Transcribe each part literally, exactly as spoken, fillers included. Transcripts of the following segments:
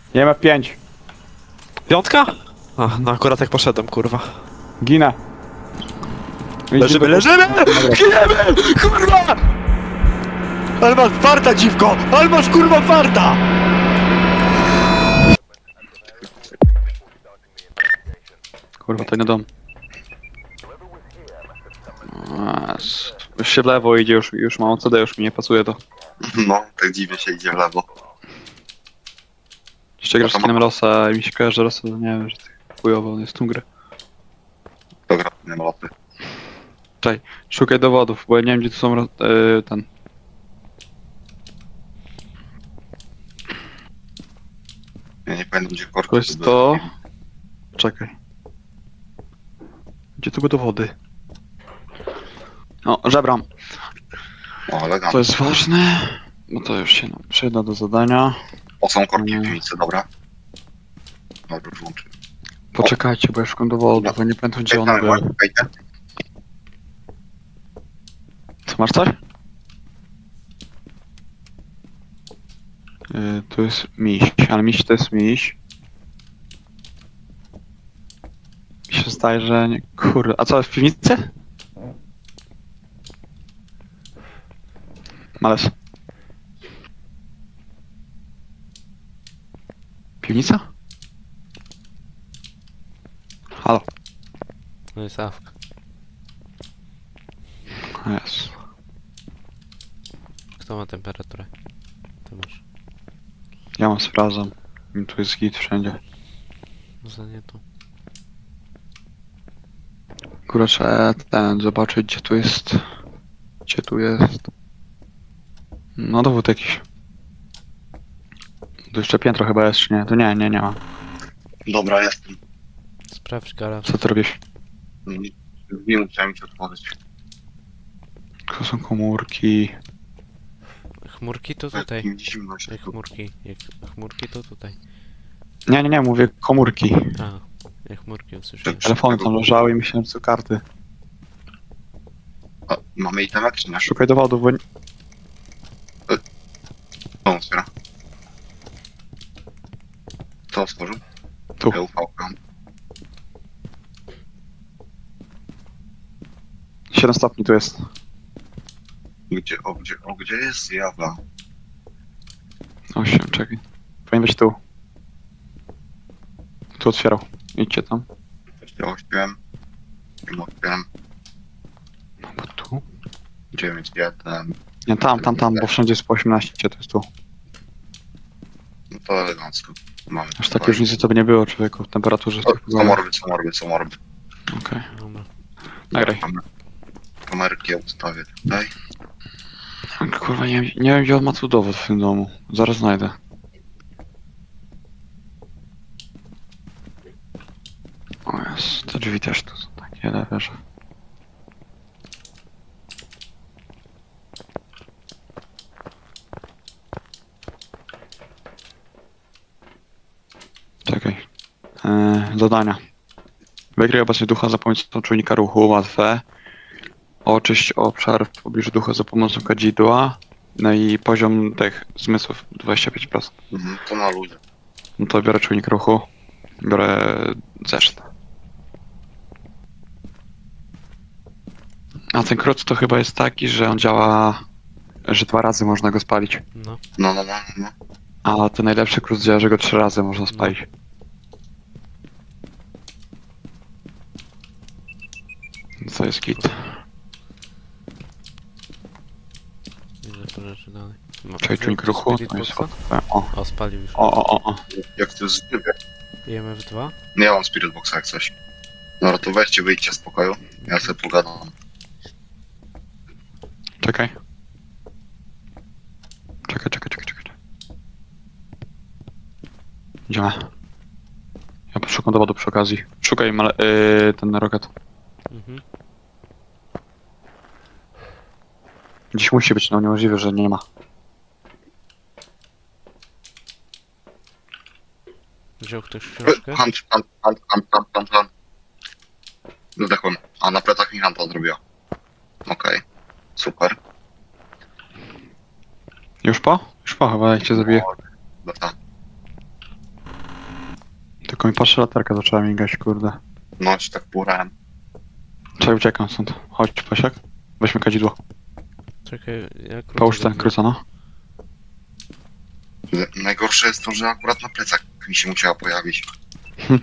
Nie ma pięć. Piątka? A, no akurat jak poszedłem, kurwa. Ginę. Leżymy, leżymy! Giniemy! Kurwa! Ale masz farta, dziwko! Ale masz kurwa farta! Kurwa, to nie dom. Yes. Już się w lewo idzie, już, już mam C D, już mi nie pasuje to. No, tak dziwnie się idzie w lewo. Jeszcze grasz z kinem Rosa i mi się kojarzy, że Rosa, nie wiem, że ty chujowo, on jest tą grę. To gra nie ma lopy. Szukaj dowodów, bo ja nie wiem, gdzie tu są ro- yy, ten. Ja nie pamiętam gdzie korki. To jest to... Czekaj. Gdzie tu były dowody? O, żebram. O, elegancko. To jest ważne, bo to już się nam przyda do zadania. O, są korki w Mm. piwnicy, dobra. Dobra, włączę. Poczekajcie, bo ja szukam dowodów, bo nie pamiętam, gdzie one były. Czekajcie. Co, masz coś? Yy, tu jest miś, ale miś to jest miś. Mi się zdaje, że nie... Kurde, a co, w piwnicy? Males. Piwnica? Halo. No jest awka. Jest. Kto ma temperaturę? Ty masz. Ja mam sprawdzam. I tu jest git wszędzie. Za nie tu. Kurczę, ten, zobaczyć gdzie tu jest. Gdzie tu jest. No dowód jakiś. Tu jeszcze piętro chyba jest, czy nie? To nie, nie, nie ma. Dobra, jestem. Sprawdź garaż. Co ty robisz? Nie musiałem ci otworzyć. To są komórki. Chmurki to tutaj. Takim zimno się Jak tu. chmurki. Jak chmurki to tutaj. Nie, nie, nie, mówię komórki. A, jak chmurki usłyszałem. Telefony tam leżały i myślałem, że to karty. A, mamy itemek czy nie? Szukaj dowodów, bo... nie- To otwiera. To otworzył? Tu. Ja ufałkam. siedem stopni tu jest. Gdzie, o gdzie, o gdzie jest zjawa? osiem, czekaj. Powinien być tu. Tu otwierał. Idźcie tam. Ja osiem. Ja otwieram. No bo tu? dziewięć, jeden. Nie, tam, tam, tam, bo wszędzie jest po osiemnaście, to jest tu. No to elegancko. Mamy. Aż takiej różnicy to by nie było, człowieku, w temperaturze. Co, tych co morby, co morby, co morby. Okej, Dobra. nagraj. Kamer- Kamerki ja ustawię tutaj. Kurwa, nie, wiem- nie wiem gdzie on ma tu dowód w tym domu. Zaraz znajdę. O jest, te drzwi też tu są takie lewerze. Czekaj. Eee, zadania. Wykryj obecność ducha za pomocą czujnika ruchu, łatwe. Oczyść obszar w pobliżu ducha za pomocą kadzidła. No i poziom tych zmysłów dwadzieścia pięć procent. Mhm, to na ludzie. No to biorę czujnik ruchu. Biorę zeszyt. A ten kruc to chyba jest taki, że on działa, że dwa razy można go spalić. No. No, no, no, no. A ten najlepszy kruc działa, że go trzy razy można spalić. Co jest kit? Widzę to rzeczy dalej. Ma- Czekaj, czujnik ruchu. Spirit To jest boxa? łatwe. O, O, spalił już. o, o, o, o. Jak to jest zwykle. I M F dwa? Nie ja mam Spirit Boxa jak coś. Dobra, to weźcie, wyjdźcie z pokoju. Ja sobie pogadam. Czekaj. Czekaj, czekaj, czekaj, czekaj. Idziemy. Ja poszukam dowodu przy okazji. Szukaj male- yy, ten rocket. Mhm. Dziś musi być, no niemożliwe, że nie ma. Wziął ktoś książkę? Hunt, hunt, hunt, hunt, hunt, hunt, hunt. Zdechłem. A na plecach mi Hunta zrobiła. Okej. Super. Już po? Już po chyba, jak cię zabiję. Dobra. Tylko mi patrzy latarka zaczęła migać, kurde. No ci tak porałem. Czekaj, uciekam stąd. Chodź, Pasiak. Weźmy kadzidło. Czekaj, jak Połóż ten króca, no. Najgorsze jest to, że akurat na plecach mi się musiała pojawić. Hm.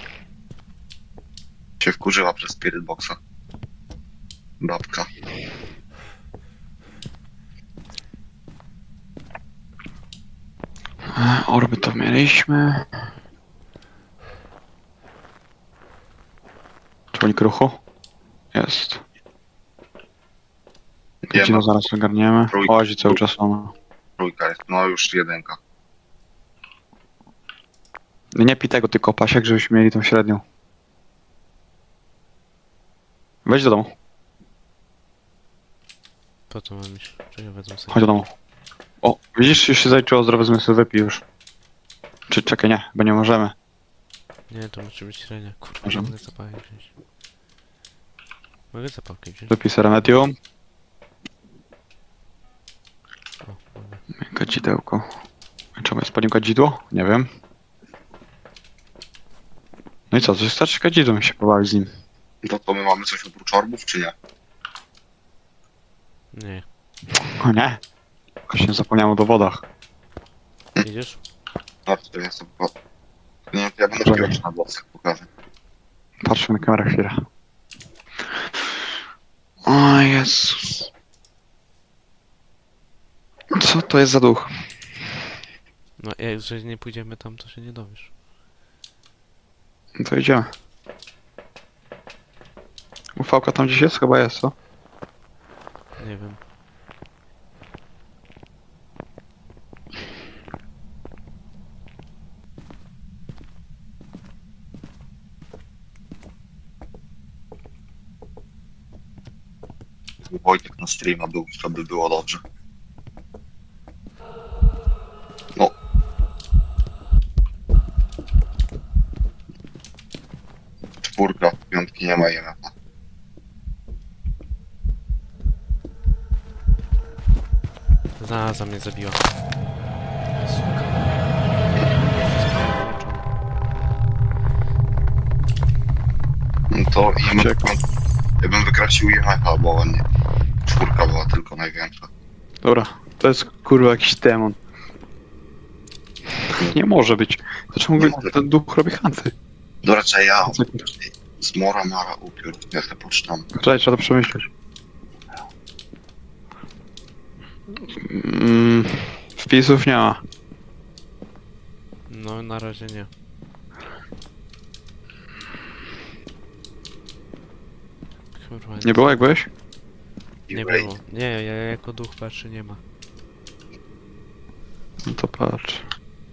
Się wkurzyła przez Spirit Boxa. Babka. E, Orby to mieliśmy. Czujnik ruchu? Jest. Nie Kadzidło ma, zaraz ogarniemy. Trójka. Łazi cały czas ona. trójka jest. No już jedynka. Nie pij tego, tylko Pasiak, żebyśmy mieli tą średnią. Wejdź do domu. Po co mam iść? Czekaj, wezmę sobie. Chodź do domu. O, widzisz, już się zaliczyło zdrowe zmysły, wypij już. Czy czekaj, nie, bo nie możemy. Nie, to musi być średnia. Kurwa, Możemy. mogę zapałkę wziąć. Mogę zapałkę wziąć? Wypij sobie remedium. O, mogę. Kadzidełko. Czemu jest palił kadzidło? Nie wiem. No i co, coś starczy kadzidłem się pobawić z nim. To to my mamy coś oprócz orbów, czy nie? Nie. O nie. Właśnie zapomniałem o dowodach. Idziesz? Bardzo to jest to. Nie, ja będę Dobra. pierwszy na blocach pokażę. Patrzmy na kamerę chwilę. O Jezus. Co to jest za duch? No, jak jeżeli nie pójdziemy tam, to się nie dowiesz. No to idziemy. Ufałka tam gdzieś jest? Chyba jest, co? Nie wiem. Gdyby Wojtek na streama był, to by było dobrze. No. Czwórka, piątki nie ma I M F-a. Zaza mnie zabiła. Suka. Wszystko wyłączone. No to I M F, Uciekł. ja bym wykraścił I M F-a, bo nie. Czwórka była tylko największa. Dobra, to jest kurwa jakiś demon. Nie może być. Dlaczego Nie mógłby może. ten duch robi hanty? No raczej ja, zmora, mara, upiór, ja to poczytam. Czekaj, trzeba to przemyśleć. Mm, wpisów nie ma. No, na razie nie. Kurwa, Nie było jak byłeś? Nie Ray. było. Nie, ja jako duch patrzy nie ma. No to patrz.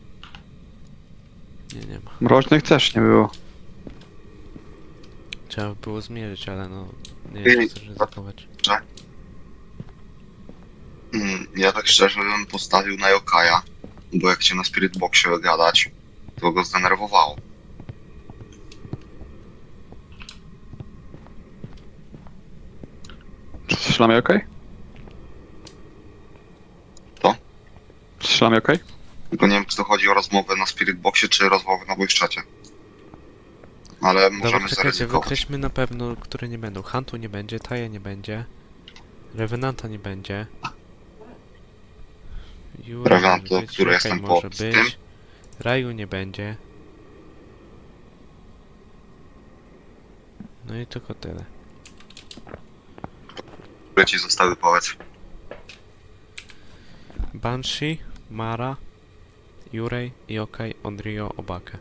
Nie, nie ma. Mroźnych też nie było. Trzeba by było zmierzyć, ale no... Nie Ej, wiem, czy chcesz ryzykować. Mm, ja tak szczerze bym postawił na Yokaja, bo jak cię na Spirit Boxie gadać, to go zdenerwowało. Strzelamy okej? Co? Strzelamy okej? Tylko nie wiem, czy to chodzi o rozmowę na Spirit Boxie, czy rozmowę na voice czacie. Ale Dobra, możemy czekajcie, zaryzykować. wykreślmy na pewno, które nie będą. Huntu nie będzie, Taja nie będzie. Revenanta nie będzie. Jura Revenant, może to, być, który Yokai jestem po może z być. tym. Raju nie będzie. No i tylko tyle. Które ci zostały, powiedz. Banshee, Mara, Yurei, Yokai, Onryo, Obake.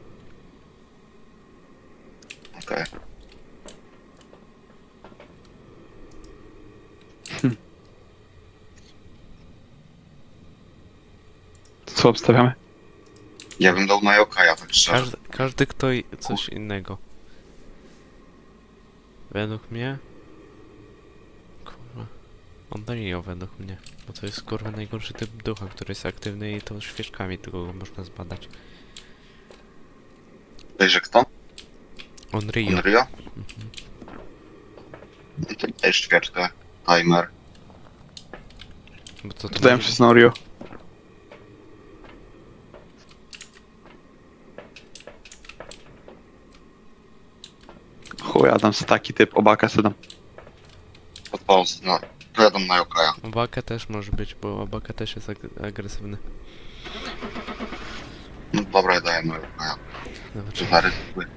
Okej. Co obstawiamy? Ja bym dał na Yokaja, tak szczerze. Każdy, każdy kto i coś innego. Według mnie... Kurwa... Onryo według mnie. Bo to jest kurwa najgorszy typ ducha, który jest aktywny i to świeczkami tylko go można zbadać. Dajże kto? Onryo. Unreal? Mhm. No to dajesz świeczkę, timer. Bo to, to Zdałem może- się z Norio. chuja, tam jest taki typ, obaka sedam. Pod Polsce, no. Pojadą na Jokaja. Obaka też może być, bo Obaka też jest ag agresywny. No dobra, ja daję na Jokaja. Dobra, Czy zaryzykuję?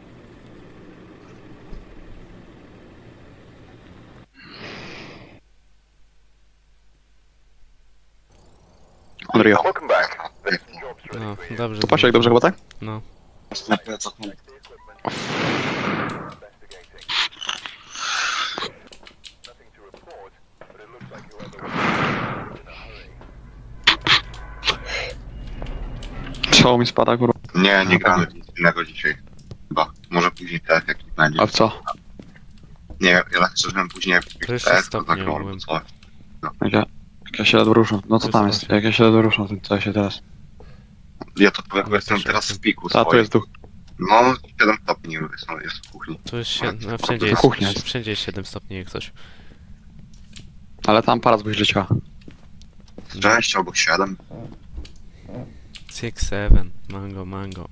Unreal. no, dobrze. To patrz jak dobrze chyba, tak? No. Czoło mi spada, kurwa. Nie, nie gramy w nic innego dzisiaj. Chyba. Może później tak jak będzie. A w co? Nie, ja tak szczerze mówiąc, później jak To jeszcze tak, stopnie zagram albo ogółem. coś. Jak ja, jak ja się ledwo ruszam. No To co jest tam jest? osiem. Jak ja się ledwo ruszam, to co się teraz? Ja to powiem, bo Ale jestem też teraz osiem. w piku A tu swoim. jest duch. No, siedem stopni jest, jest w kuchni. Tu jest siedem, no, To wszędzie to jest, kuchnia jest. wszędzie jest siedem stopni jak coś. Ale tam para zbyś leciała. sześć albo siedem. six, seven, mango, mango.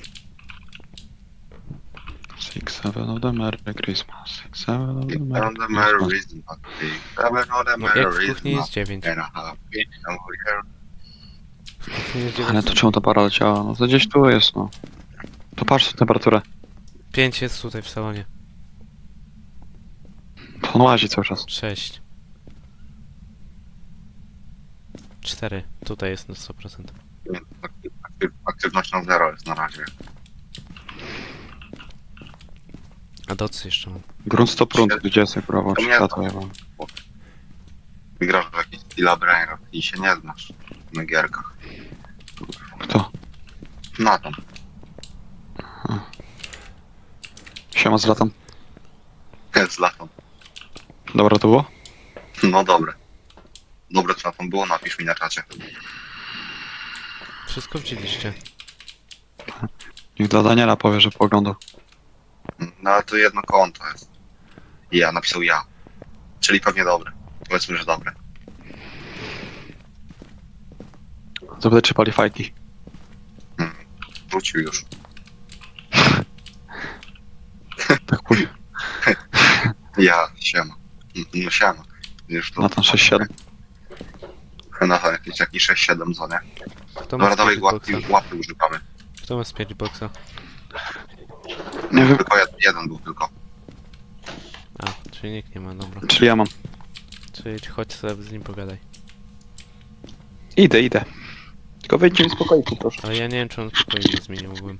Six, seven of the Merry Christmas. Six, seven of the Seven Merry on the merry Christmas. reason, but seven on the No, jak merry w kuchni reason, jest dziewięć. and a half inch over here. W kuchni jest Ale dziewięć. to czemu ta para leciała? No to gdzieś tu jest, no. To patrz na temperaturę. pięć jest tutaj w salonie. To on łazi cały czas. sześć. cztery. Tutaj jest na sto procent. Nie, aktyw- aktyw- Aktywnością zero jest na razie. A docy jeszcze mam. Grunt sto prąd, gdzie jest kurwa, To czy nie- światło ja mam. Wygrasz w jakiś Killa Brainrot i się nie znasz na gierkach. Kto? Na tam. Siema z latem. Z latą. Dobra to było? No dobre. Dobre co tam było, napisz mi na czacie. Wszystko widzieliście. Niech dla Daniela powie, że pooglądał. No ale to jedno konto jest. I ja, napisał ja. Czyli pewnie dobre. Powiedzmy, że dobre. Zapytaj czy pali fajki. Wrócił już. Tak później. Ja, siema. No siema. Już to... Na ten sześć siedem. Na ten jakiś taki sześć siedem co nie? Kto ma Dobra, dawaj spirit łapki, boxa? łapy używamy. Kto ma spirit boxa? Nie wiem, Tylko jeden, jeden był tylko. A, czyli nikt nie ma, dobra. czyli ja mam. Czyli chodź sobie z nim pogadaj. Idę, idę. Tylko wejdźcie mi z pokoiku, proszę. Ale ja nie wiem czy on spokoju nie zmienił ogółem.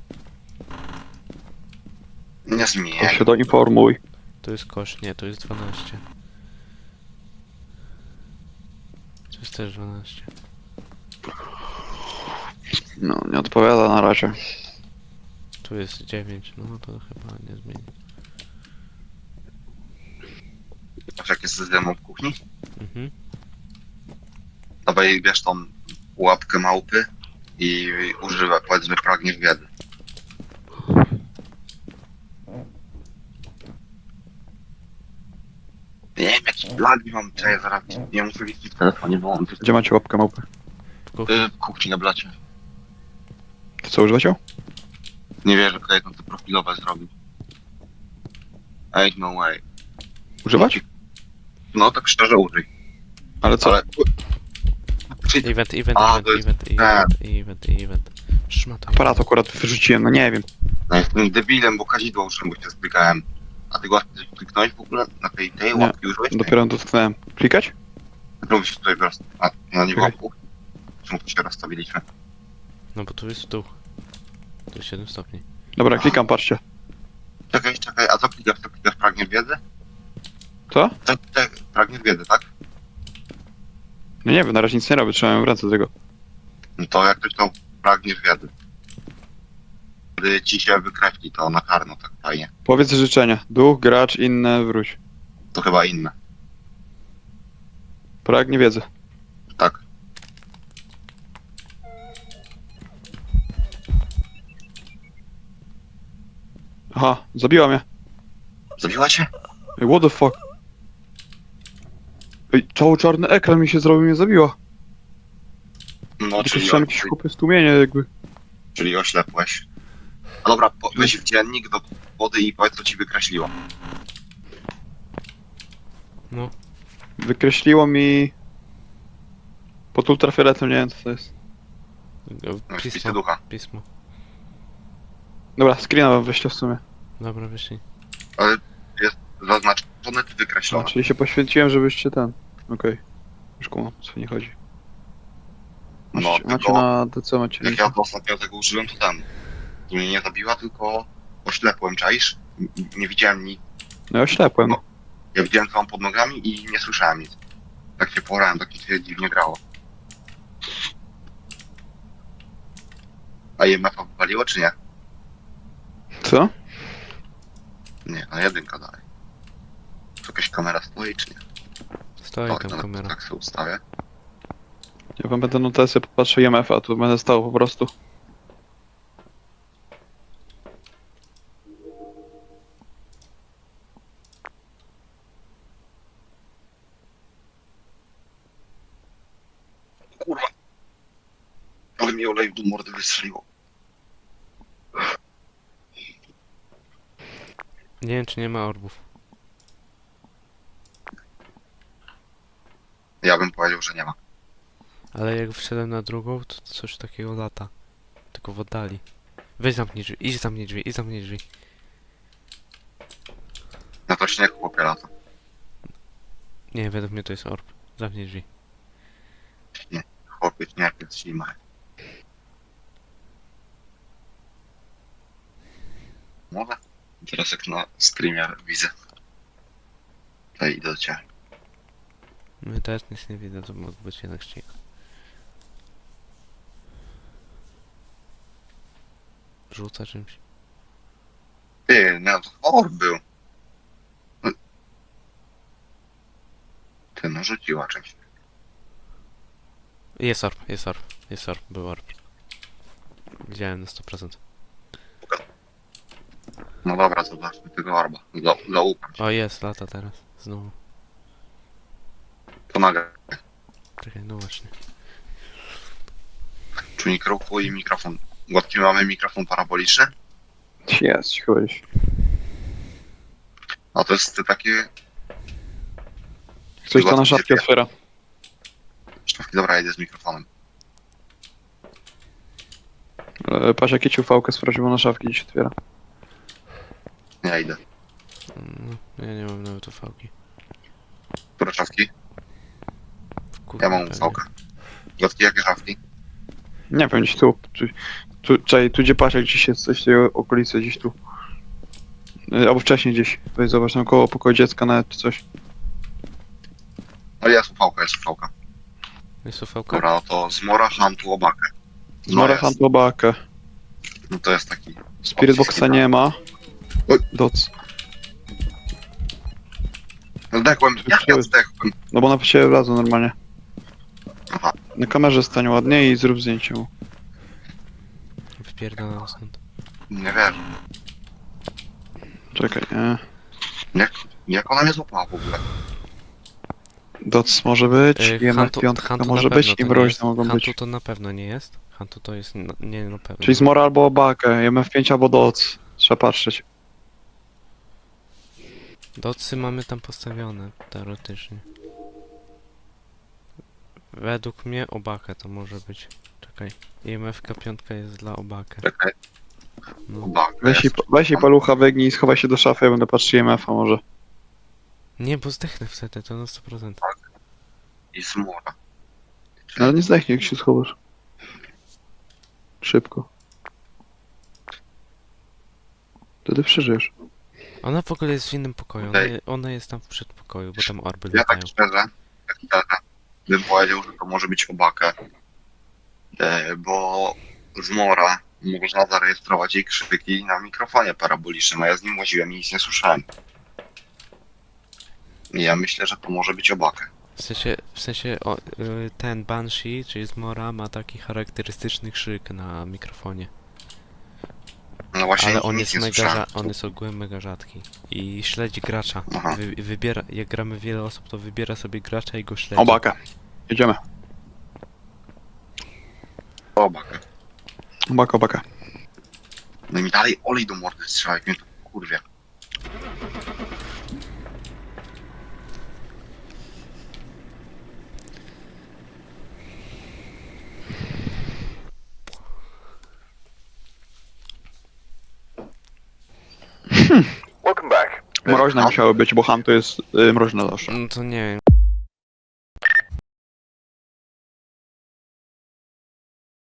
Nie To zmieniaj. się doinformuj. To jest kosz, nie, to jest dwanaście. To jest też dwanaście. No, nie odpowiada na razie. Tu jest dziewięć, no to chyba nie zmieni. Patrz jak jest z demą w kuchni. Mhm. Dawaj, bierz tą łapkę małpy i używaj, powiedzmy, pragniesz wiedzy. Nie wiem, jakiś lagi mam, czy ja zaraz nie muszę liczyć w telefonie wyłączyć. Gdzie macie łapkę małpy? W kuchni. Y, W kuchni na blacie. To co, używacie? Nie wierzę, że to profilowe zrobił. Ain't no way. Używać? No tak szczerze użyj. Ale co? Ale... Czy... Event, event, A, event, to jest- event, event, event, event. Szmata. Aparat akurat wyrzuciłem, no nie wiem. Ja jestem debilem, bo kazidło użyłem, bo się stykałem. A ty go kliknąłeś w ogóle na tej, tej Nie, łapki użyłeś? Dopiero dotknąłem. Klikać? Robisz tutaj roz... A, no nie Czekaj. było. Czemu tu się rozstawiliśmy? No bo tu jest duch. To jest siedem stopni. Dobra, klikam, patrzcie. Czekaj, czekaj, a co klikasz? Co klikasz? Pragniesz wiedzy? Co? Tak, tak, pragniesz wiedzy, tak? No nie wiem, na razie nic nie robię, trzymałem w ręce tego. No to jak ktoś to pragniesz wiedzy. Gdy ci się wykreśli, to na czarno tak fajnie. Powiedz życzenia. Duch, gracz, inne, wróć. To chyba inne. Pragnie wiedzy. Tak. Aha, zabiła mnie. Zabiła cię? Ej, what the fuck? Ej, cały czarny ekran mi się zrobił, mnie zabiła. No, Tylko czyli, słyszałem jakieś chłopy stłumienie jakby. czyli oślepłeś. A dobra, po, weź w dziennik, do, kody i powiedz co ci wykreśliło. No, Wykreśliło mi... Pod ultrafioletem, nie wiem co to jest. No, spisy pismo, ducha. pismo. Dobra, screena wam wyślę w sumie. Dobra, wyślij. Ale jest zaznaczone czy A, wykreślone? czyli się poświęciłem, żebyście ten... Okej. Już kumam, o co nie chodzi. No, Macie, macie tylko na D C, macie jak linka. ja to ostatnio tego użyłem, to ten. To mnie nie zabiła, tylko oślepłem, czaisz? N- Nie widziałem nic. No ja oślepłem. No. Ja widziałem co mam pod nogami i nie słyszałem nic. Tak się porałem, tak mi się dziwnie grało. A I M F-a wywaliło czy nie? Co? Nie, na jedynka dalej. Tu jakaś kamera stoi czy nie? Stoi Tak, tam nawet kamera. tak sobie ustawię. Ja wam będę na D C popatrzę I M F, a tu będę stał po prostu. Kurwa. Ale mi olej do mordy wystrzeliło. Nie wiem, czy nie ma orbów. Ja bym powiedział, że nie ma. Ale jak wszedłem na drugą, to coś takiego lata. Tylko w oddali. Weź zamknij drzwi, idź zamknij drzwi, idź zamknij drzwi. Na to śnieg chłopie lata. Nie, według mnie to jest orb. Zamknij drzwi. Chłopie, śnieg jest zima. Może? Teraz jak na streamie widzę. To idę do ciebie. My też nic nie widzę, to mógł być jednak ścig. Rzuca czymś. Ty, no to orb był. No. Ty, no rzuciła czymś. Jest orb, jest orb, jest orb, był orb. Widziałem na sto procent. No dobra, zobaczmy tego orba. Za- Zaufam ci. O, jest, lata teraz. Znowu. To nagle. Czekaj, no właśnie. Czujnik ruchu i mikrofon. Gładki mamy mikrofon paraboliczny. Jest, chodź. A to jest takie... Ktoś to na szafki otwiera. Sztawki, dobra, jedę z mikrofonem. E, Patrz jakie ci ufałkę sprawdź, bo na szafki dziś otwiera. Ja idę. Mm, No, ja nie mam nawet ufałki. Które szafki? W kuchni Ja mam pewnie. ufałkę. Gładki, jakie szafki? Nie wiem, gdzieś tu. Tu, tu, czekaj, tu gdzie patrz, jak gdzieś jest coś w tej okolicy, gdzieś tu. E, Albo wcześniej gdzieś. Weź zobacz tam koło pokoju dziecka nawet czy coś. No jest ufałka, jest ufałka. Jest ufałka? Dobra, no to zmora, hantu, obakę. No Zmora jest. handlobakę. No to jest taki... Spirit Boxa nie ma. Oj. Doc. Zdechłem, jak ja zdechłem? No bo na ciebie wlazł normalnie. Aha, Na kamerze stań ładnie i zrób zdjęcie mu. Wypierdalam stąd. nie wiesz. Czekaj, nie. Jak, jak ona mnie złapała w ogóle? Doc może być, Yy, I M F pięć Hantu może na być pewno i to nie mroźne jest. mogą Hantu być. to na pewno nie jest. Hantu to jest, no, nie na pewno. Czyli Zmora albo Obakę, I M F pięć albo Doc. Trzeba patrzeć. Docy mamy tam postawione, teoretycznie. Według mnie obakę to może być. Czekaj. I M F pięć jest dla obakę. Czekaj, No. obakę Weź i, jest. weź i palucha wygnij i schowaj się do szafy, ja będę patrzył I M F-a może. Nie, bo zdechnę wtedy, to na sto procent. I zmora. Ale nie zdechnie, jak się schowasz. Szybko. Wtedy przeżyjesz. Ona w ogóle jest w innym pokoju. Ona, Okej. je- ona jest tam w przedpokoju, bo tam orby Ja latają. tak szczerze, tak szczerze, bym powiedział, że to może być obakę. E, bo zmora można zarejestrować jej krzyki na mikrofonie parabolicznym, a ja z nim łaziłem i nic nie słyszałem. I ja myślę, że to może być obakę. W sensie, w sensie o, y, ten Banshee, czyli Zmora, ma taki charakterystyczny krzyk na mikrofonie. No właśnie Ale nic, on nic jest nie mega, słyszałem. rza- on jest ogółem mega rzadki. I śledzi gracza. Aha. Wy, wybiera, jak gramy wiele osób, to wybiera sobie gracza i go śledzi. Obakę. Jedziemy. Obakę. Obaka, obaka. No i mi dalej olej do mordy strzela, jak mnie tu kurwie. Welcome back. Mroźne musiały być, bo Han to jest y, mroźne zawsze. No to nie wiem.